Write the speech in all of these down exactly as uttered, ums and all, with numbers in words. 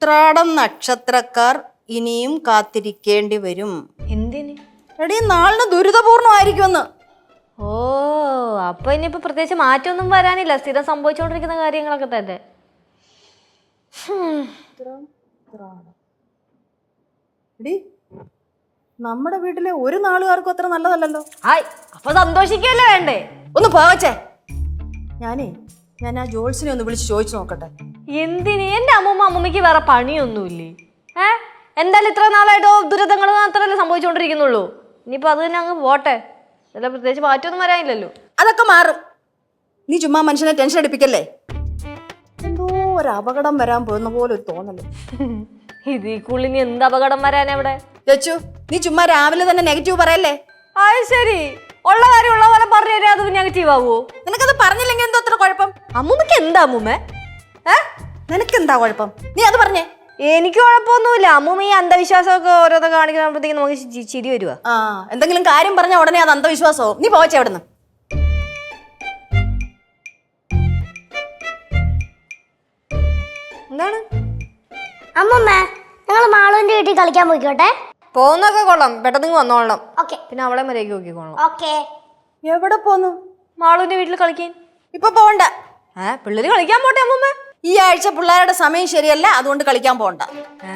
ഉത്രാടം നക്ഷത്രക്കാർ ഇനിയും കാത്തിരിക്കേണ്ടി വരും. എന്തിന്? എടീ, നാളിന് ദുരിതപൂർണമായിരിക്കുമെന്ന്. ഓ, അപ്പൊ ഇനിയിപ്പോ പ്രത്യേകിച്ച് മാറ്റമൊന്നും വരാനില്ല, സ്ഥിരം സംഭവിച്ചുകൊണ്ടിരിക്കുന്ന കാര്യങ്ങളൊക്കെ തന്നെ. എടീ, നമ്മുടെ വീട്ടിലെ ഒരു നാളുകാർക്കും അത്ര നല്ലതല്ലല്ലോ. ഹായ്, അപ്പൊ സന്തോഷിക്കല്ലേ വേണ്ടേ? ഒന്ന് പോവച്ചേ. ഞാനേ ഞാൻ ആ ജോൾസിനെ ഒന്ന് വിളിച്ച് ചോദിച്ചു നോക്കട്ടെ. എന്തിന്? എന്റെ അമ്മൂമ്മ അമ്മൂമ്മക്ക് വേറെ പണിയൊന്നുമില്ലേ? ഏ എന്തായാലും ഇത്ര നാളായിട്ടോ ദുരിതങ്ങൾ മാത്രമല്ലേ സംഭവിച്ചുകൊണ്ടിരിക്കുന്നുള്ളൂ. ഇനിയിപ്പോ അത് തന്നെ അങ്ങ് പോട്ടെ. അല്ല, പ്രത്യേകിച്ച് മാറ്റമൊന്നും വരാനില്ലല്ലോ. അതൊക്കെ മാറും. നീ ചുമ്മാ മനുഷ്യനെ ടെൻഷൻ അടിപ്പിക്കല്ലേ. എന്തോ ഒരു അപകടം വരാൻ പോകുന്ന പോലെ ഒരു തോന്നല്. ഇതിക്കുള്ളിൽ ഇനി എന്ത് അപകടം വരാനാ ഇവിടെ? ചേച്ചു, നീ ചുമ്മാ രാവിലെ തന്നെ നെഗറ്റീവ് പറയല്ലേ. അത് ശരി, ഉള്ള കാര്യം ഉള്ള പോലെ പറഞ്ഞു തരാം. അത് നെഗറ്റീവ് ആവുമോ? നിനക്കത് പറഞ്ഞില്ലെങ്കിൽ എന്തോ അത്ര കുഴപ്പം? അമ്മൂമ്മക്ക് എന്താ അമ്മൂമ്മ? ഏ നിനക്കെന്താ കുഴപ്പം? നീ അത് പറഞ്ഞേ. എനിക്ക് കുഴപ്പമൊന്നുമില്ല. അമ്മൂമ്മ ഈ അന്ധവിശ്വാസമൊക്കെ ഓരോന്ന് കാണിക്കുമ്പോഴത്തേക്ക് നമുക്ക് ചിരി വരുവാ. ആ, എന്തെങ്കിലും കാര്യം പറഞ്ഞ ഉടനെ അത് അന്ധവിശ്വാസവും. നീ പോവച്ചേ അവിടുന്ന്. എന്താണ്? അമ്മമ്മ, ഞങ്ങൾ മാളുവിന്റെ വീട്ടിൽ കളിക്കാൻ പോയിക്കോട്ടെ? പോകുന്നൊക്കെ കൊള്ളാം, പെട്ടെന്ന് വന്നോളണം. ഓക്കെ. പിന്നെ അവളെ മര്യാദയ്ക്ക് നോക്കിക്കോളാം. ഓക്കെ. എവിടെ പോന്നു? മാളുവിന്റെ വീട്ടിൽ കളിക്കാൻ. ഇപ്പൊ പോവണ്ട. ഏ പിള്ളേര് കളിക്കാൻ പോട്ടെ അമ്മൂമ്മ. ഈ ആഴ്ച പിള്ളേരുടെ സമയം ശരിയല്ല, അതുകൊണ്ട് കളിക്കാൻ പോകണ്ട. ഏ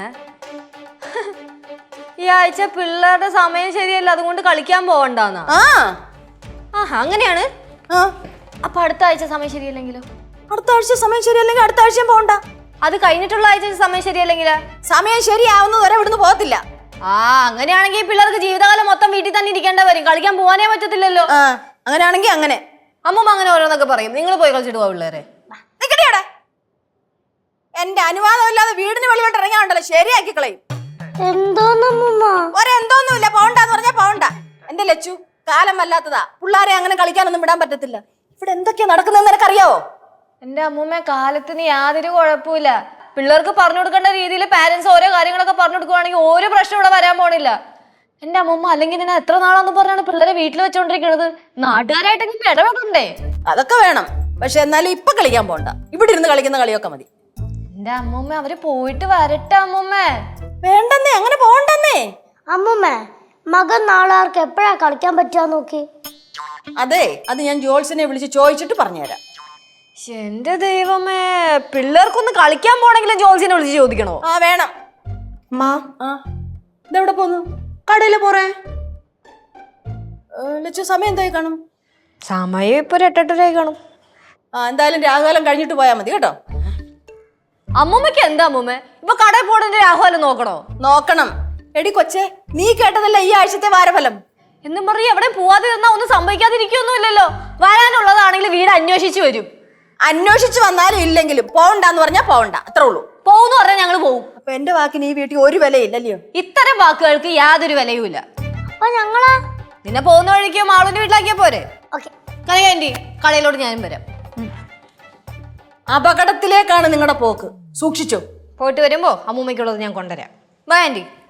ഈ ആഴ്ച പിള്ളേരുടെ സമയം ശരിയല്ല, അതുകൊണ്ട് കളിക്കാൻ പോവണ്ടെന്നാ? ആ ആഹാ, അങ്ങനെയാണ്. ആ അപ്പൊ അടുത്ത ആഴ്ച സമയം ശരിയല്ലെങ്കിലോ? അടുത്ത ആഴ്ച സമയം ശരിയല്ലെങ്കിൽ അടുത്ത ആഴ്ചയും പോകണ്ട. അത് കഴിഞ്ഞിട്ടുള്ള ആഴ്ച സമയം ശരിയല്ലെങ്കിലാ? സമയം ശരിയാവുന്നത് വരെ ഇവിടുന്ന് പോകത്തില്ല. ആ, അങ്ങനെയാണെങ്കിൽ പിള്ളേർക്ക് ജീവിതകാലം മൊത്തം വീട്ടിൽ തന്നെ ഇരിക്കേണ്ട വരും. കളിക്കാൻ പോകാനേ പറ്റത്തില്ലല്ലോ. ആ, അങ്ങനെയാണെങ്കിൽ അങ്ങനെ. അമ്മൂമ്മ അങ്ങനെ ഓരോന്നൊക്കെ പറയും. നിങ്ങൾ പോയി കളിച്ചിട്ട് പോവാ പിള്ളേരെ. നിക്കടിയടെ. എന്റെ അനുവാദമില്ലാതെ വീടിന് വെളിയോട്ട് ഇറങ്ങാണ്ടല്ലോ, ശരിയാക്കി കളയും. എന്തോന്നമ്മൂമ്മ? ഒരെന്തോന്നുമില്ല, പോകണ്ടെന്ന് പറഞ്ഞാ പോകണ്ട. എന്റെ ലച്ചു, കാലം വല്ലാത്തതാ. പിള്ളേരെ അങ്ങനെ കളിക്കാനൊന്നും വിടാൻ പറ്റത്തില്ല. ഇവിടെ എന്തൊക്കെയാ നടക്കുന്നതെന്ന് നിനക്കറിയാവോ? എന്റെ അമ്മൂമ്മ, കാലത്തിന് യാതൊരു കുഴപ്പമില്ല. പിള്ളേർക്ക് പറഞ്ഞു കൊടുക്കേണ്ട രീതിയിൽ പാരന്റ്സ് ഓരോ കാര്യങ്ങളൊക്കെ പറഞ്ഞു കൊടുക്കുവാണെങ്കിൽ ഒരു പ്രശ്നം ഇവിടെ വരാൻ പോണില്ല. എന്റെ അമ്മൂമ്മ, അല്ലെങ്കിൽ ഞാൻ എത്ര നാളാന്ന് പറഞ്ഞാണ് പിള്ളേരെ വീട്ടിൽ വെച്ചോണ്ടിരിക്കുന്നത്. നാട്ടുകാരായിട്ടെങ്കിലും ഇടപെടണ്ടേ? അതൊക്കെ വേണം, പക്ഷെ എന്നാലും ഇപ്പൊ കളിക്കാൻ പോകണ്ട. ഇവിടെ ഇരുന്ന് കളിക്കുന്ന കളിയൊക്കെ മതി. എന്റെ അമ്മൂമ്മ, അവര് പോയിട്ട് വരട്ടെ അമ്മൂമ്മ. വേണ്ടെന്നേ, അങ്ങനെ പോകണ്ടെന്നേ. അമ്മൂമ്മ, മകൻ നാളാർക്ക് എപ്പോഴാ കളിക്കാൻ പറ്റുക നോക്കി. അതെ, അത് ഞാൻ ജോൾസിനെ വിളിച്ച് ചോദിച്ചിട്ട് പറഞ്ഞുതരാം. എന്റെ ദൈവമേ, പിള്ളേർക്കൊന്ന് കളിക്കാൻ പോണെങ്കിലും ജോൾസിനെ വിളിച്ച് ചോദിക്കണോ? ആ, വേണം. ആ, ഇതെവിടെ പോന്നു? കടയില് പോറേ. ലച്ചു, സമയം എന്തായി കാണും? സമയം ഇപ്പൊ ഒരു എട്ടെട്ടരായി കാണും. ആ, എന്തായാലും രാഹുകാലം കഴിഞ്ഞിട്ട് പോയാൽ മതി കേട്ടോ. അമ്മൂമ്മക്ക് എന്താ അമ്മൂമ്മ, ഇപ്പൊ കടയിൽ പോണതിന്റെ രാഹുലം നോക്കണോ? നോക്കണം. എടി കൊച്ചേ, നീ കേട്ടതല്ല ഈ ആഴ്ചത്തെ വാരഫലം എന്നും പറയും. എവിടെ പോവാതെ തന്നാ ഒന്നും സംഭവിക്കാതിരിക്കൊന്നുമില്ലല്ലോ. വരാനുള്ളതാണെങ്കിൽ വീട് അന്വേഷിച്ചു വരും. അന്വേഷിച്ച് വന്നാലും ഇല്ലെങ്കിലും പോവണ്ടെന്ന് പറഞ്ഞാ പോവണ്ട, അത്രേ ഉള്ളൂ. പോകുന്നു പറഞ്ഞാൽ ഞങ്ങൾ പോകും. അപ്പൊ എന്റെ വാക്കിന് ഈ വീട്ടിൽ ഒരു വിലയില്ലല്ലോ. ഇത്തരം വാക്കുകൾക്ക് യാതൊരു വിലയുമില്ല. അപ്പൊ ഞങ്ങളാ നിന്നെ പോകുന്ന വഴിക്ക് മാളുവിന്റെ വീട്ടിലാക്കിയാ പോരെ? ഓക്കെ. കലയാൻറ്റി, കടയിലോട്ട് ഞാനും വരാം. അപകടത്തിലേക്കാണ് നിങ്ങളുടെ പോക്ക്, സൂക്ഷിച്ചോ. പോയിട്ട് വരുമ്പോ അമ്മൂമ്മയ്ക്കുള്ളത് ഞാൻ കൊണ്ടുവരാം. Bye anti.